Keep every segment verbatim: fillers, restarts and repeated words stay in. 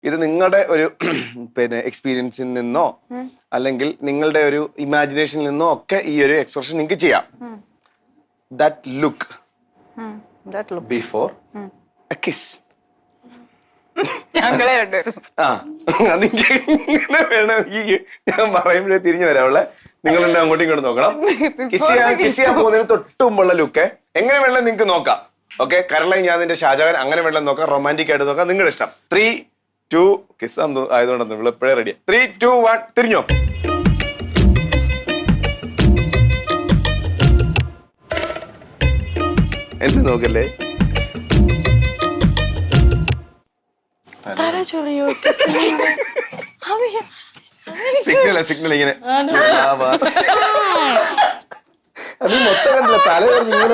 ഇത് നിങ്ങളുടെ ഒരു പിന്നെ എക്സ്പീരിയൻസിൽ നിന്നോ അല്ലെങ്കിൽ നിങ്ങളുടെ ഒരു ഇമാജിനേഷനിൽ നിന്നോ ഒക്കെ ഈ ഒരു എക്സ്പ്രഷൻ നിങ്ങൾക്ക് ചെയ്യാം. That look before a kiss. ഞങ്ങളെ രണ്ടുപേരും ആ അതിങ്ങനെ വേണമെങ്കിൽ ഞാൻ പറയുമ്പോഴേ തിരിഞ്ഞു വരാവുള്ള നിങ്ങൾ എന്നെ അങ്ങോട്ടും ഇങ്ങോട്ട് നോക്കണം. കിസ് ചെയ്യാൻ കിസ് ചെയ്യാൻ പോകുന്നതിന് തൊട്ട് മുമ്പുള്ള ലുക്ക് എങ്ങനെ വേണം നിങ്ങൾക്ക് നോക്കാം. ഓക്കെ, കരളായി ഞാൻ നിന്റെ ഷാജഹാൻ അങ്ങനെ വേണം നോക്കാം, റൊമാൻറ്റിക് ആയിട്ട് നോക്കാം, നിങ്ങളുടെ ഇഷ്ടം. ത്രീ ടു കിസ് ആയതുകൊണ്ടെന്ന് ഇവിടെ എപ്പോഴേ റെഡിയാ. ത്രീ ടു വൺ തിരിഞ്ഞോ. എന്ത് നോക്കല്ലേ, സിഗ്നൽ സിഗ്നൽ ഇങ്ങനെ അത് മൊത്തം കണ്ടില്ല, തല ഇങ്ങനെ.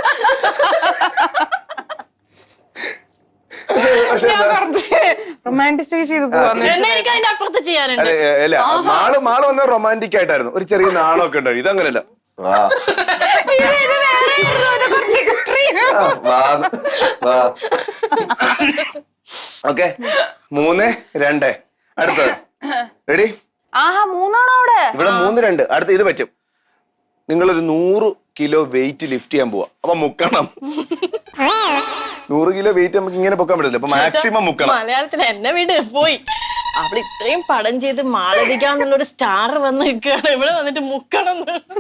അല്ല മാള് മാള് വന്ന റൊമാൻറ്റിക് ആയിട്ടായിരുന്നു, ഒരു ചെറിയ നാണമൊക്കെ ഉണ്ടായി. ഇതങ്ങനല്ല. ഓക്കെ, മൂന്ന് രണ്ട് അടുത്തത്. റെഡി? ഇവിടെ മൂന്ന് രണ്ട്. അടുത്ത ഇത് പറ്റും. നിങ്ങളൊരു നൂറ് കിലോ വെയിറ്റ് ലിഫ്റ്റ് ചെയ്യാൻ പോവാ, അപ്പൊ മുക്കണം. നൂറ് കിലോ വെയിറ്റ് നമുക്ക് ഇങ്ങനെ പൊക്കാൻ പറ്റില്ല, അപ്പൊ മാക്സിമം മുക്കണം. മലയാളത്തിൽ എന്നെ വീട് പോയി അവിടെ ഇത്രയും പടം ചെയ്ത് മാളവികാന്നുള്ളൊരു സ്റ്റാർ വന്ന് നിൽക്കുകയാണ്, ഇവിടെ വന്നിട്ട് മുക്കണം.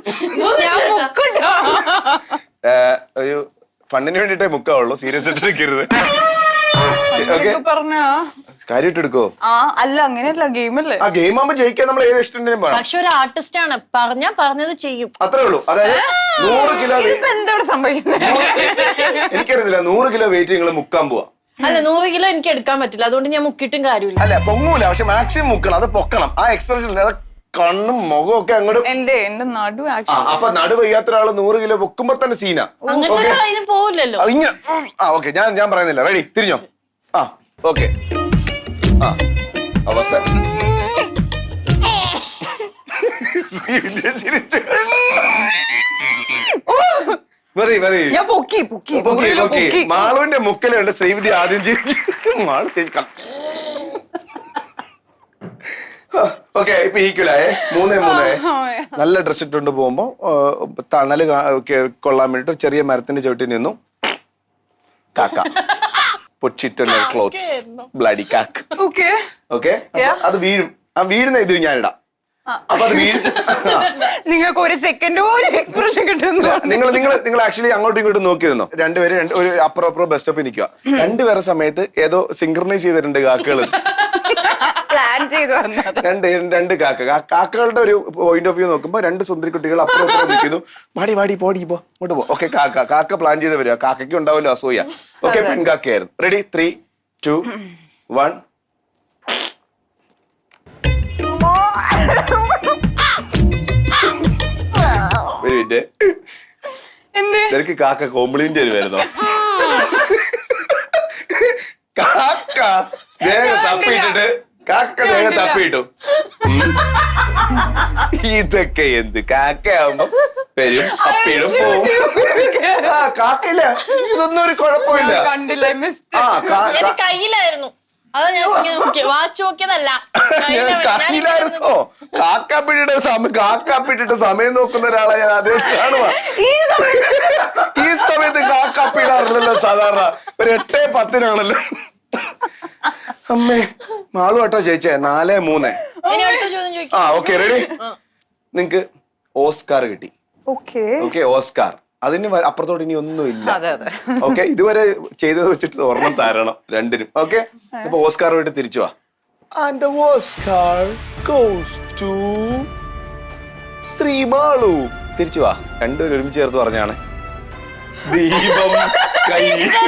ഒരു ഫണ്ടിന് വേണ്ടിട്ടേ മുക്കാവുള്ളൂ, സീരിയസ് ആയിട്ട് എടുക്കരുത്. കാര്യമായിട്ട് എടുക്കോ? അല്ല അങ്ങനെയല്ല, ഗെയിമല്ലേ. ആ ഗെയിം ആകുമ്പോ ജയിക്കാൻ നമ്മൾ ഏത് ഇഷ്ടം. പക്ഷെ ഒരു ആർട്ടിസ്റ്റ് ആണ്, പറഞ്ഞാ പറഞ്ഞത് ചെയ്യും, അത്രേ ഉള്ളൂ. അതായത് നൂറ് കിലോ എന്താണ് സംഭവിക്കുന്നത് എനിക്കറിയില്ല. നൂറ് കിലോ വെയിറ്റ് നിങ്ങൾ മുക്കാൻ പോവാ. അല്ല, നൂറ് കിലോ എനിക്ക് എടുക്കാൻ പറ്റില്ല, അതുകൊണ്ട് ഞാൻ മുക്കിയിട്ടും കാര്യമില്ല. അല്ല പൊങ്ങൂല, പക്ഷെ മാക്സിമം മുക്കണം, അത് പൊക്കണം. ആ എക്സ്പ്രഷൻ, അത് കണ്ണും മുഖവും ഒക്കെ അങ്ങോട്ട്. എന്റെ എന്റെ നടു അപ്പൊ നടു വയ്യാത്ത ഒരാള് നൂറ് കിലോ പൊക്കുമ്പോ തന്നെ സീനാ. അങ്ങനത്തെ പോവില്ലല്ലോ. ആ ഓക്കെ, ഞാൻ ഞാൻ പറയുന്നില്ല. റെഡി? തിരിഞ്ഞോ. ആ ഓക്കെ. ആ അവസാനം മാളുവിന്റെ മുക്കലുണ്ട്. ശ്രീവിധി ആദ്യം മാള് ഓക്കെ. ഇപ്പൊ ഈക്വലായേ, മൂന്നേ മൂന്നേ. നല്ല ഡ്രസ് ഇട്ടുകൊണ്ട് പോകുമ്പോ തണല് കൊള്ളാൻ വേണ്ടിട്ട് ചെറിയ മരത്തിന്റെ ചവിട്ടി നിന്നു. കാക്ക പൊച്ചിട്ടുള്ള ക്ലോത്ത്സ്, ബ്ലഡി കാക്ക്. ഓക്കെ, അത് വീഴും. ആ വീഴുന്ന ഇത് ഞാനിടാം. അപ്പൊ അത് വീഴും. നിങ്ങൾക്ക് ഒരു സെക്കൻഡ് പോലും എക്സ്പ്രഷൻ കിട്ടുന്നു. നിങ്ങൾ നിങ്ങൾ നിങ്ങൾ ആക്ച്വലി അങ്ങോട്ടും ഇങ്ങോട്ടും നോക്കി നിന്നോ. രണ്ടുപേര് ഒരു അപ്പുറം അപ്പുറം ബസ് സ്റ്റോപ്പിൽ നിൽക്കുക. രണ്ടുപേരെ സമയത്ത് ഏതോ സിങ്ക്രണൈസ് ചെയ്തിട്ടുണ്ട് കാക്കകൾ. പ്ലാൻ ചെയ്തു രണ്ട് രണ്ട് കാക്ക. കാക്കകളുടെ ഒരു പോയിന്റ് ഓഫ് വ്യൂ നോക്കുമ്പോ രണ്ട് സുന്ദരി കുട്ടികൾ അപ്പുറം അപ്പുറം നിൽക്കുന്നു. വാടി വാടി പോടി പോ ഇങ്ങോട്ട് പോ. ഓക്കെ, കാക്ക കാക്ക പ്ലാൻ ചെയ്ത് വരിക. കാക്കയ്ക്ക് ഉണ്ടാവില്ല അസൂയ. ഓക്കെ, പെൺകാക്കയായിരുന്നു. റെഡി? Three two one. ഒരു മിനിറ്റ്, നിനക്ക് കാക്ക കോംപ്ലിമെന്റ് വരുമായിരുന്നോ? കാക്ക ദേഹം തപ്പിയിട്ടിട്ട് കാക്ക ദേഹം തപ്പിയിട്ടു. ഇതൊക്കെ എന്ത് കാക്കയാവുമ്പോ വരും, തപ്പിയിടും, പോവും. ആ കാക്കയില്ല, ഇതൊന്നും ഒരു കുഴപ്പമില്ല. കയ്യിലായിരുന്നു, അതാ ഞാൻ വാച്ച് നോക്കിയതല്ല. കയ്യിലായിരുന്നോ? കാക്കാപ്പിട്ടിട്ട് സമയം കാക്കാപ്പിട്ടിട്ട് സമയം നോക്കുന്ന ഒരാളെ ഞാൻ ആദ്യം കാണുക. ഈ സമയത്ത് കാക്കാപ്പിടാറില്ലല്ലോ സാധാരണ. ഒരു എട്ടേ പത്തിനാണല്ലോ. അമ്മേ, മാളു കേട്ടോ ചേച്ചേ. നാലേ മൂന്നേ. ആ ഓക്കെ, റെഡി? നിങ്ങക്ക് ഓസ്കാർ കിട്ടി. Okay, Oscar. അതിന് അപ്പുറത്തോട്ട് ഇനി ഒന്നുമില്ല. ഓക്കെ, ഇതുവരെ ചെയ്തത് വെച്ചിട്ട് ഒരെണ്ണം തരണം രണ്ടിനും. ഓക്കെ, അപ്പൊ ഓസ്കാർ പോയിട്ട് തിരിച്ചു വാ. And the Oscar goes to ശ്രീമാളു. തിരിച്ചു വാ. രണ്ടുപേരും ഒരുമിച്ച് ചേർത്ത് പറഞ്ഞാണ്. ദീപം കൈ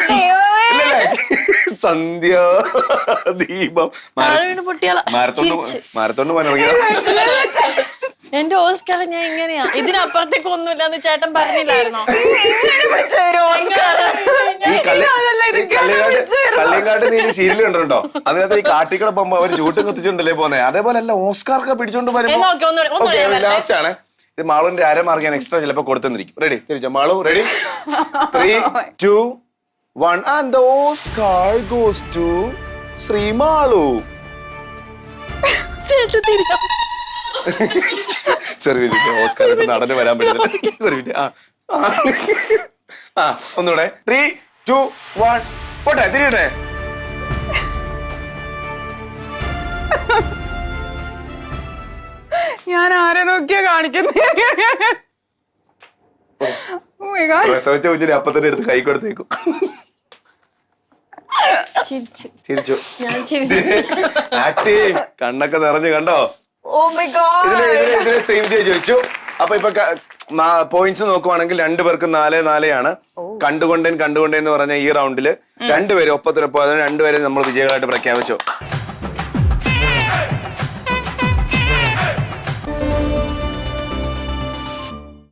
സന്ധ്യ ദീപം മാരത്തോണ്ട് പോകാനിറങ്ങിയ എന്റെ ഓസ്കാർ ഞാൻ ഇങ്ങനെയാ. ഇതിനപ്പുറത്തേക്ക് ഒന്നുമില്ലെന്ന് ചേട്ടൻ പറഞ്ഞില്ലായിരുന്നോ? ഈ കള്ളിയങ്കാട്ട് നീ സീരിയൽ കണ്ടിട്ടുണ്ടോ? അതിനകത്ത് ഈ കാട്ടിക്കള പോകുമ്പോ അവര് ചൂട്ടും കത്തിച്ചുണ്ടല്ലേ പോന്നെ. അതേപോലെ അല്ല, ഓസ്കാർക്ക് പിടിച്ചോണ്ട് വരുമ്പോ ലാസ്റ്റ് ആണ്. ഇത് മാളുവിന്റെ അരമാർക്ക് ഞാൻ എക്സ്ട്രാ ചിലപ്പോ കൊടുത്തെന്നിരിക്കും. റെഡി? തിരിച്ചോ Malu. Ready? Three two one. And the Oscar goes to Sreemalu. ചേട്ടൻ തിരിയാ ചെറിയ മിനിറ്റ്, ഓസ്കാർ നടന് വരാൻ പറ്റില്ല. ഒരു മിനിറ്റ്. ആ ആ ഒന്നുകൂടെ. ത്രീ ടു വൺ പോട്ടെ, തിരിയട്ടെ. ഞാൻ ആരെ നോക്കിയാ കാണിക്കുന്നത്? പ്രസവിച്ച കുഞ്ഞിനെ അപ്പൊ തന്നെ എടുത്ത് കൈ കൊടുത്തേക്കും. ചിരിച്ചു ചിരിച്ചു. ഞാൻ ചിരിച്ചു. ആക്ടി കണ്ണൊക്കെ നിറഞ്ഞു കണ്ടോ? Oh my god. ഇതില് ഇതില് ഇതില് സേവ് ചെയ്ത് ചോദിച്ചു. അപ്പൊ ഇപ്പൊ പോയിന്റ്സ് നോക്കുവാണെങ്കിൽ രണ്ടുപേർക്ക് നാല് നാലെയാണ്. കണ്ടുകൊണ്ടേൻ കണ്ടുകൊണ്ടേന്ന് പറഞ്ഞ ഈ റൗണ്ടില് രണ്ടുപേരും ഒപ്പത്തിനൊപ്പം രണ്ടുപേരും നമ്മൾ വിജയികളായിട്ട് പ്രഖ്യാപിച്ചു.